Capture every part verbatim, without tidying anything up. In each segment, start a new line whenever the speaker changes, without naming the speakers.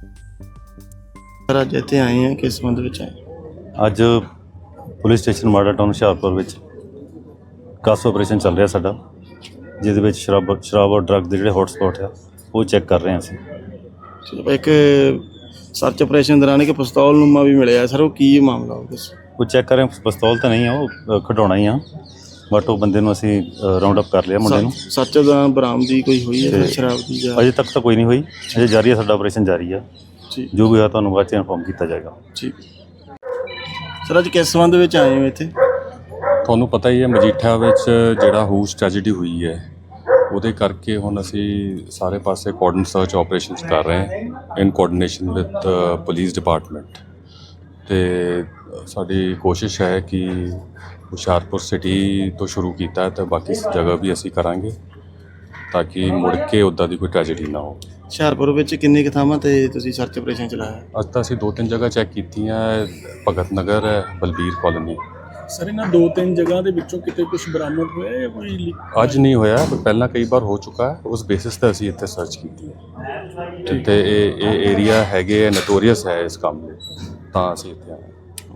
Sir ਅੱਜ ਇੱਥੇ ਆਏ ਹਾਂ, ਕਿਸ ਸੰਬੰਧ ਵਿੱਚ ਆਏ?
ਅੱਜ police station model town Hoshiarpur ਵਿੱਚ ਕਾਸ ਆਪਰੇਸ਼ਨ ਚੱਲ ਰਿਹਾ ਸਾਡਾ, ਜਿਹਦੇ ਵਿੱਚ ਸ਼ਰਾਬ ਸ਼ਰਾਬ ਔਰ ਡਰੱਗ ਦੇ ਜਿਹੜੇ ਹੌਟ ਸਪੌਟ ਆ ਉਹ ਚੈੱਕ ਕਰ ਰਹੇ ਹਾਂ ਅਸੀਂ।
ਚਲੋ, ਇੱਕ ਸਰਚ ਆਪਰੇਸ਼ਨ ਦੌਰਾਨ ਇੱਕ ਪਿਸਤੌਲ ਨੂਮਾ ਵੀ ਮਿਲਿਆ ਸਰ, ਉਹ ਕੀ ਮਾਮਲਾ ਉਹ ਦੱਸੋ?
ਉਹ ਚੈੱਕ ਕਰ ਰਹੇ ਹਾਂ, ਪਿਸਤੌਲ ਤਾਂ ਨਹੀਂ ਆ, ਉਹ ਖਿਡੌਣਾ ਹੀ ਆ, ਬਟ ਉਹ ਬੰਦੇ ਨੂੰ ਅਸੀਂ ਰਾਉਂਡ ਅਪ ਕਰ ਲਿਆ ਮੁੰਡੇ ਨੂੰ।
ਸੱਚ ਦੌਰਾਨ ਬਰਾਮਦੀ ਕੋਈ ਹੋਈ ਹੈ
ਤੇ
ਸ਼ਰਾਬ ਦੀ ਜਾਂ?
ਅਜੇ ਤੱਕ ਤਾਂ ਕੋਈ ਨਹੀਂ ਹੋਈ, ਅਜੇ ਜਾਰੀ ਹੈ, ਸਾਡਾ ਆਪਰੇਸ਼ਨ ਜਾਰੀ ਆ।
ਠੀਕ,
ਜੋ ਵੀ ਹੋਇਆ ਤੁਹਾਨੂੰ ਬਾਅਦ 'ਚ ਇਨਫੋਰਮ ਕੀਤਾ ਜਾਏਗਾ।
ਠੀਕ ਸਰ, ਅੱਜ ਕਿਸ ਸੰਬੰਧ ਵਿੱਚ ਆਏ ਹੋ ਇੱਥੇ?
ਤੁਹਾਨੂੰ ਪਤਾ ਹੀ ਹੈ ਮਜੀਠਾ ਵਿੱਚ ਜਿਹੜਾ ਹੂਸ ਟ੍ਰੈਜੇਡੀ ਹੋਈ ਹੈ, ਉਹਦੇ ਕਰਕੇ ਹੁਣ ਅਸੀਂ ਸਾਰੇ ਪਾਸੇ ਕੋਆਰਡਨ ਸਰਚ ਆਪਰੇਸ਼ਨਸ ਕਰ ਰਹੇ ਹਾਂ in coordination with police department. ਤੇ ਸਾਡੀ ਕੋਸ਼ਿਸ਼ ਹੈ ਕਿ ਹੁਸ਼ਿਆਰਪੁਰ ਸਿਟੀ ਤੋਂ ਸ਼ੁਰੂ ਕੀਤਾ ਹੈ ਤੇ ਬਾਕੀ ਜਗ੍ਹਾ ਵੀ ਅਸੀਂ ਕਰਾਂਗੇ ਤਾਂ ਕਿ ਮੁੜ ਕੇ ਉੱਦਾਂ ਦੀ ਕੋਈ ਟ੍ਰੈਜੇਡੀ ਨਾ ਹੋ।
ਹੁਸ਼ਿਆਰਪੁਰ ਵਿੱਚ ਕਿੰਨੇ ਕੁ ਥਾਵਾਂ ਤੇ ਤੁਸੀਂ ਸਰਚ ਆਪਰੇਸ਼ਨ ਚਲਾਇਆ?
ਅੱਜ ਤਾਂ ਅਸੀਂ ਦੋ ਤਿੰਨ ਜਗ੍ਹਾ ਚੈੱਕ ਕੀਤੀਆਂ, ਭਗਤ ਨਗਰ ਹੈ, ਬਲਬੀਰ ਕਾਲੋਨੀ।
ਸਰ, ਇਹਨਾਂ ਦੋ ਤਿੰਨ ਜਗ੍ਹਾ ਦੇ ਵਿੱਚੋਂ ਕਿਤੇ ਕੁਝ ਬਰਾਮਦ ਹੋਇਆ ਜਾਂ ਕੋਈ ਲੀਕ?
ਅੱਜ ਨਹੀਂ ਹੋਇਆ, ਪਰ ਪਹਿਲਾਂ ਕਈ ਵਾਰ ਹੋ ਚੁੱਕਾ ਹੈ, ਉਸ ਬੇਸਿਸ 'ਤੇ ਅਸੀਂ ਇੱਥੇ ਸਰਚ ਕੀਤੀ ਹੈ। ਤੇ ਇਹ ਇਹ ਏਰੀਆ ਹੈਗੇ ਨੋਟੋਰੀਅਸ ਹੈ ਇਸ ਕੰਮ ਲਈ, ਤਾਂ ਅਸੀਂ ਇੱਥੇ ਆਏ।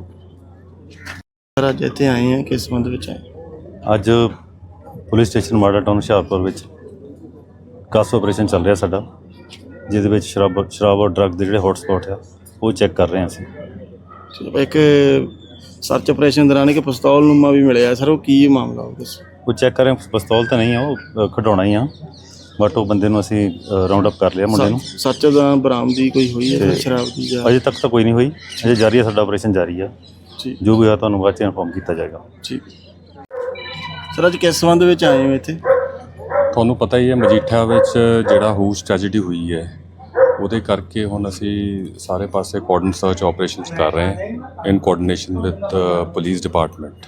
ਸਰ ਅੱਜ ਇੱਥੇ ਆਏ ਹਾਂ, ਕਿਸ ਸੰਬੰਧ ਵਿੱਚ ਆਏ?
ਅੱਜ police station model town Hoshiarpur ਵਿੱਚ ਕਾਸ ਆਪਰੇਸ਼ਨ ਚੱਲ ਰਿਹਾ ਸਾਡਾ, ਜਿਹਦੇ ਵਿੱਚ ਸ਼ਰਾਬ ਸ਼ਰਾਬ ਔਰ ਡਰੱਗ ਦੇ ਜਿਹੜੇ ਹੌਟ ਸਪੌਟ ਆ ਉਹ ਚੈੱਕ ਕਰ ਰਹੇ ਹਾਂ ਅਸੀਂ।
ਚਲੋ, ਇੱਕ ਸਰਚ ਆਪਰੇਸ਼ਨ ਦੌਰਾਨ ਇੱਕ ਪਿਸਤੌਲ ਨੂਮਾ ਵੀ ਮਿਲਿਆ ਸਰ, ਉਹ ਕੀ ਮਾਮਲਾ ਉਹ ਦੱਸੋ?
ਉਹ ਚੈੱਕ ਕਰ ਰਹੇ ਹਾਂ, ਪਿਸਤੌਲ ਤਾਂ ਨਹੀਂ ਆ, ਉਹ ਖਿਡੌਣਾ ਹੀ ਆ, ਬਟ ਉਹ ਬੰਦੇ ਨੂੰ ਅਸੀਂ ਰਾਉਂਡ ਅਪ ਕਰ ਲਿਆ ਮੁੰਡੇ ਨੂੰ।
ਸੱਚ ਦੌਰਾਨ ਬਰਾਮਦੀ ਕੋਈ ਹੋਈ ਹੈ ਸ਼ਰਾਬ ਦੀ ਜਾਂ?
ਅਜੇ ਤੱਕ ਤਾਂ ਕੋਈ ਨਹੀਂ ਹੋਈ, ਅਜੇ ਜਾਰੀ ਹੈ, ਸਾਡਾ ਆਪਰੇਸ਼ਨ ਜਾਰੀ ਆ।
ਠੀਕ,
ਜੋ ਵੀ ਹੋਇਆ ਤੁਹਾਨੂੰ ਬਾਅਦ 'ਚ ਇਨਫੋਰਮ ਕੀਤਾ ਜਾਏਗਾ।
ਠੀਕ ਸਰ, ਅੱਜ ਕਿਸ ਸੰਬੰਧ ਵਿੱਚ ਆਏ ਹੋ ਇੱਥੇ?
ਤੁਹਾਨੂੰ ਪਤਾ ਹੀ ਹੈ ਮਜੀਠਾ ਵਿੱਚ ਜਿਹੜਾ ਹੂਸ ਟ੍ਰੈਜੇਡੀ ਹੋਈ ਹੈ, ਉਹਦੇ ਕਰਕੇ ਹੁਣ ਅਸੀਂ ਸਾਰੇ ਪਾਸੇ ਕੋਆਰਡਨ ਸਰਚ ਆਪਰੇਸ਼ਨਸ ਕਰ ਰਹੇ ਹਾਂ in coordination with police department.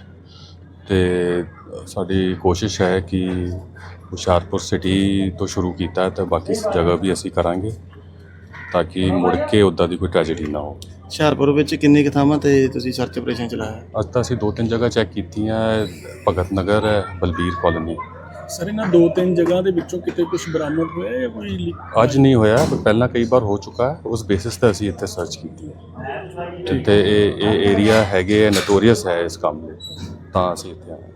ਤੇ ਸਾਡੀ ਕੋਸ਼ਿਸ਼ ਹੈ ਕਿ ਹੁਸ਼ਿਆਰਪੁਰ ਸਿਟੀ ਤੋਂ ਸ਼ੁਰੂ ਕੀਤਾ ਹੈ ਤੇ ਬਾਕੀ ਜਗ੍ਹਾ ਵੀ ਅਸੀਂ ਕਰਾਂਗੇ ਤਾਂ ਕਿ ਮੁੜ ਕੇ ਉੱਦਾਂ ਦੀ ਕੋਈ ਟ੍ਰੈਜੇਡੀ ਨਾ ਹੋ।
ਹੁਸ਼ਿਆਰਪੁਰ ਵਿੱਚ ਕਿੰਨੇ ਕੁ ਥਾਵਾਂ ਤੇ ਤੁਸੀਂ ਸਰਚ ਆਪਰੇਸ਼ਨ ਚਲਾਇਆ?
ਅੱਜ ਤਾਂ ਅਸੀਂ ਦੋ ਤਿੰਨ ਜਗ੍ਹਾ ਚੈੱਕ ਕੀਤੀਆਂ, ਭਗਤ ਨਗਰ ਹੈ, ਬਲਬੀਰ ਕਾਲੋਨੀ।
ਸਰ, ਇਹਨਾਂ ਦੋ ਤਿੰਨ ਜਗ੍ਹਾ ਦੇ ਵਿੱਚੋਂ ਕਿਤੇ ਕੁਝ ਬਰਾਮਦ ਹੋਇਆ ਜਾਂ ਕੋਈ ਲੀਕ?
ਅੱਜ ਨਹੀਂ ਹੋਇਆ, ਪਰ ਪਹਿਲਾਂ ਕਈ ਵਾਰ ਹੋ ਚੁੱਕਾ ਹੈ, ਉਸ ਬੇਸਿਸ 'ਤੇ ਅਸੀਂ ਇੱਥੇ ਸਰਚ ਕੀਤੀ ਹੈ। ਤੇ ਇਹ ਇਹ ਏਰੀਆ ਹੈਗੇ ਨੋਟੋਰੀਅਸ ਹੈ ਇਸ ਕੰਮ ਲਈ, ਤਾਂ ਅਸੀਂ ਇੱਥੇ ਆਏ।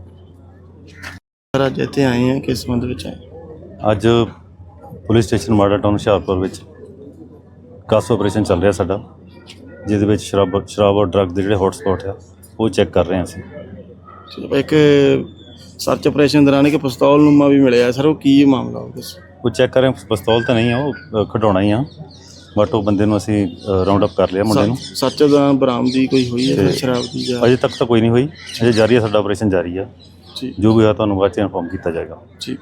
ਸਰ ਅੱਜ ਇੱਥੇ ਆਏ ਹਾਂ, ਕਿਸ ਸੰਬੰਧ ਵਿੱਚ ਆਏ?
ਅੱਜ police station model town Hoshiarpur ਵਿੱਚ ਕਾਸ ਆਪਰੇਸ਼ਨ ਚੱਲ ਰਿਹਾ ਸਾਡਾ, ਜਿਹਦੇ ਵਿੱਚ ਸ਼ਰਾਬ ਸ਼ਰਾਬ ਔਰ ਡਰੱਗ ਦੇ ਜਿਹੜੇ ਹੌਟ ਸਪੌਟ ਆ ਉਹ ਚੈੱਕ ਕਰ ਰਹੇ ਹਾਂ ਅਸੀਂ।
ਚਲੋ, ਇੱਕ ਸਰਚ ਆਪਰੇਸ਼ਨ ਦੌਰਾਨ ਇੱਕ ਪਿਸਤੌਲ ਨੂਮਾ ਵੀ ਮਿਲਿਆ ਸਰ, ਉਹ ਕੀ ਮਾਮਲਾ ਉਹ ਦੱਸੋ?
ਉਹ ਚੈੱਕ ਕਰ ਰਹੇ ਹਾਂ, ਪਿਸਤੌਲ ਤਾਂ ਨਹੀਂ ਆ, ਉਹ ਖਿਡੌਣਾ ਹੀ ਆ, ਬਟ ਉਹ ਬੰਦੇ ਨੂੰ ਅਸੀਂ ਰਾਉਂਡ ਅਪ ਕਰ ਲਿਆ ਮੁੰਡੇ ਨੂੰ।
ਸੱਚ ਦੌਰਾਨ ਬਰਾਮਦੀ ਕੋਈ ਹੋਈ ਹੈ ਸ਼ਰਾਬ ਦੀ ਜਾਂ?
ਅਜੇ ਤੱਕ ਤਾਂ ਕੋਈ ਨਹੀਂ ਹੋਈ, ਅਜੇ ਜਾਰੀ ਹੈ, ਸਾਡਾ ਆਪਰੇਸ਼ਨ ਜਾਰੀ ਆ।
ਠੀਕ,
ਜੋ ਵੀ ਹੋਇਆ ਤੁਹਾਨੂੰ ਬਾਅਦ 'ਚ ਇਨਫੋਰਮ ਕੀਤਾ ਜਾਏਗਾ।
ਠੀਕ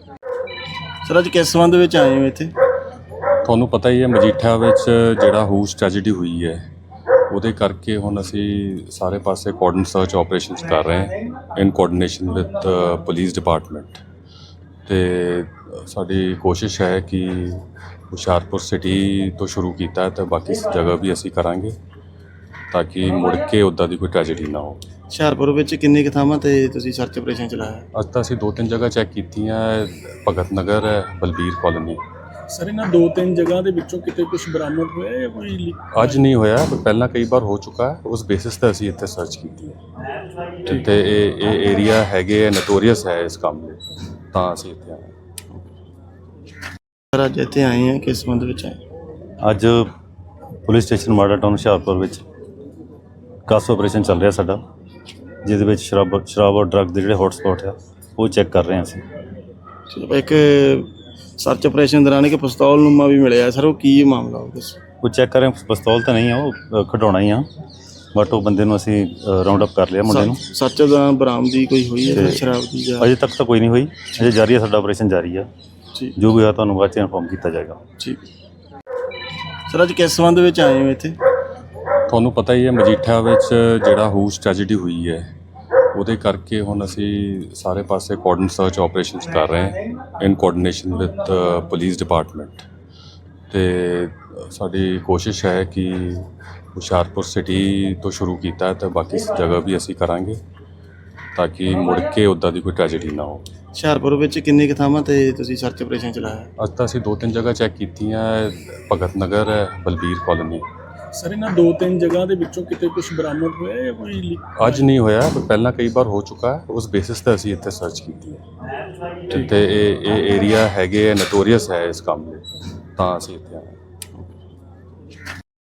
ਸਰ, ਅੱਜ ਕਿਸ ਸੰਬੰਧ ਵਿੱਚ ਆਏ ਹੋ ਇੱਥੇ?
ਤੁਹਾਨੂੰ ਪਤਾ ਹੀ ਹੈ ਮਜੀਠਾ ਵਿੱਚ ਜਿਹੜਾ ਹੂਸ ਟ੍ਰੈਜੇਡੀ ਹੋਈ ਹੈ, ਉਹਦੇ ਕਰਕੇ ਹੁਣ ਅਸੀਂ ਸਾਰੇ ਪਾਸੇ ਕੋਆਰਡਨ ਸਰਚ ਆਪਰੇਸ਼ਨਸ ਕਰ ਰਹੇ ਹਾਂ in coordination with police department. ਤੇ ਸਾਡੀ ਕੋਸ਼ਿਸ਼ ਹੈ ਕਿ ਹੁਸ਼ਿਆਰਪੁਰ ਸਿਟੀ ਤੋਂ ਸ਼ੁਰੂ ਕੀਤਾ ਹੈ ਤੇ ਬਾਕੀ ਜਗ੍ਹਾ ਵੀ ਅਸੀਂ ਕਰਾਂਗੇ ਤਾਂ ਕਿ ਮੁੜ ਕੇ ਉੱਦਾਂ ਦੀ ਕੋਈ ਟ੍ਰੈਜੇਡੀ ਨਾ ਹੋ।
ਹੁਸ਼ਿਆਰਪੁਰ ਵਿੱਚ ਕਿੰਨੇ ਕੁ ਥਾਵਾਂ ਤੇ ਤੁਸੀਂ ਸਰਚ ਆਪਰੇਸ਼ਨ ਚਲਾਇਆ?
ਅੱਜ ਤਾਂ ਅਸੀਂ ਦੋ ਤਿੰਨ ਜਗ੍ਹਾ ਚੈੱਕ ਕੀਤੀਆਂ, ਭਗਤ ਨਗਰ ਹੈ, ਬਲਬੀਰ ਕਾਲੋਨੀ।
ਸਰ, ਇਹਨਾਂ ਦੋ ਤਿੰਨ ਜਗ੍ਹਾ ਦੇ ਵਿੱਚੋਂ ਕਿਤੇ ਕੁਝ ਬਰਾਮਦ ਹੋਇਆ ਜਾਂ ਕੋਈ ਲੀਕ?
ਅੱਜ ਨਹੀਂ ਹੋਇਆ, ਪਰ ਪਹਿਲਾਂ ਕਈ ਵਾਰ ਹੋ ਚੁੱਕਾ ਹੈ, ਉਸ ਬੇਸਿਸ 'ਤੇ ਅਸੀਂ ਇੱਥੇ ਸਰਚ ਕੀਤੀ ਹੈ। ਤੇ ਇਹ ਇਹ ਏਰੀਆ ਹੈਗੇ ਨੋਟੋਰੀਅਸ ਹੈ ਇਸ ਕੰਮ ਲਈ, ਤਾਂ ਅਸੀਂ ਇੱਥੇ ਆਏ।
ਸਰ ਅੱਜ ਇੱਥੇ ਆਏ ਹਾਂ, ਕਿਸ ਸੰਬੰਧ ਵਿੱਚ ਆਏ?
ਅੱਜ police station model town Hoshiarpur ਵਿੱਚ ਕਾਸ ਆਪਰੇਸ਼ਨ ਚੱਲ ਰਿਹਾ ਸਾਡਾ, ਜਿਹਦੇ ਵਿੱਚ ਸ਼ਰਾਬ ਸ਼ਰਾਬ ਔਰ ਡਰੱਗ ਦੇ ਜਿਹੜੇ ਹੌਟ ਸਪੌਟ ਆ ਉਹ ਚੈੱਕ ਕਰ ਰਹੇ ਹਾਂ ਅਸੀਂ।
ਚਲੋ, ਇੱਕ ਸਰਚ ਆਪਰੇਸ਼ਨ ਦੌਰਾਨ ਇੱਕ ਪਿਸਤੌਲ ਨੂਮਾ ਵੀ ਮਿਲਿਆ ਸਰ, ਉਹ ਕੀ ਮਾਮਲਾ ਉਹ ਦੱਸੋ?
ਉਹ ਚੈੱਕ ਕਰ ਰਹੇ ਹਾਂ, ਪਿਸਤੌਲ ਤਾਂ ਨਹੀਂ ਆ, ਉਹ ਖਿਡੌਣਾ ਹੀ ਆ, ਬਟ ਉਹ ਬੰਦੇ ਨੂੰ ਅਸੀਂ ਰਾਉਂਡ ਅਪ ਕਰ ਲਿਆ ਮੁੰਡੇ ਨੂੰ।
ਸੱਚ ਦੌਰਾਨ ਬਰਾਮਦੀ ਕੋਈ ਹੋਈ ਹੈ ਸ਼ਰਾਬ ਦੀ ਜਾਂ?
ਅਜੇ ਤੱਕ ਤਾਂ ਕੋਈ ਨਹੀਂ ਹੋਈ, ਅਜੇ ਜਾਰੀ ਹੈ, ਸਾਡਾ ਆਪਰੇਸ਼ਨ ਜਾਰੀ ਆ।
ਠੀਕ,
ਜੋ ਵੀ ਹੋਇਆ ਤੁਹਾਨੂੰ ਬਾਅਦ 'ਚ ਇਨਫੋਰਮ ਕੀਤਾ ਜਾਏਗਾ।
ਠੀਕ ਸਰ, ਅੱਜ ਕਿਸ ਸੰਬੰਧ ਵਿੱਚ ਆਏ ਹੋ ਇੱਥੇ?
ਤੁਹਾਨੂੰ ਪਤਾ ਹੀ ਹੈ ਮਜੀਠਾ ਵਿੱਚ ਜਿਹੜਾ ਹੂਸ ਟ੍ਰੈਜੇਡੀ ਹੋਈ ਹੈ, ਉਹਦੇ ਕਰਕੇ ਹੁਣ ਅਸੀਂ ਸਾਰੇ ਪਾਸੇ ਕੋਆਰਡਨ ਸਰਚ ਆਪਰੇਸ਼ਨਸ ਕਰ ਰਹੇ ਹਾਂ in coordination with police department. ਤੇ ਸਾਡੀ ਕੋਸ਼ਿਸ਼ ਹੈ ਕਿ ਹੁਸ਼ਿਆਰਪੁਰ ਸਿਟੀ ਤੋਂ ਸ਼ੁਰੂ ਕੀਤਾ ਹੈ ਤੇ ਬਾਕੀ ਜਗ੍ਹਾ ਵੀ ਅਸੀਂ ਕਰਾਂਗੇ ਤਾਂ ਕਿ ਮੁੜ ਕੇ ਉੱਦਾਂ ਦੀ ਕੋਈ ਟ੍ਰੈਜੇਡੀ ਨਾ ਹੋ।
ਹੁਸ਼ਿਆਰਪੁਰ ਵਿੱਚ ਕਿੰਨੇ ਕੁ ਥਾਵਾਂ ਤੇ ਤੁਸੀਂ ਸਰਚ ਆਪਰੇਸ਼ਨ ਚਲਾਇਆ?
ਅੱਜ ਤਾਂ ਅਸੀਂ ਦੋ ਤਿੰਨ ਜਗ੍ਹਾ ਚੈੱਕ ਕੀਤੀਆਂ, ਭਗਤ ਨਗਰ ਹੈ, ਬਲਬੀਰ ਕਾਲੋਨੀ।
ਸਰ ਇਹਨਾਂ ਦੋ ਤਿੰਨ ਜਗ੍ਹਾ ਦੇ ਵਿੱਚੋਂ ਕਿਤੇ ਕੁਝ ਬਰਾਮਦ ਹੋਇਆ ਜਾਂ ਕੋਈ ਲੀਕ?
ਅੱਜ ਨਹੀਂ ਹੋਇਆ, ਪਰ ਪਹਿਲਾਂ ਕਈ ਵਾਰ ਹੋ ਚੁੱਕਾ ਹੈ। ਉਸ ਬੇਸਿਸ ਤੇ ਅਸੀਂ ਇੱਥੇ ਸਰਚ ਕੀਤੀ ਹੈ ਤੇ ਇਹ ਇਹ ਏਰੀਆ ਹੈਗੇ ਨੋਟੋਰੀਅਸ ਹੈ ਇਸ ਕੰਮ ਲਈ, ਤਾਂ ਅਸੀਂ ਇੱਥੇ ਆਏ।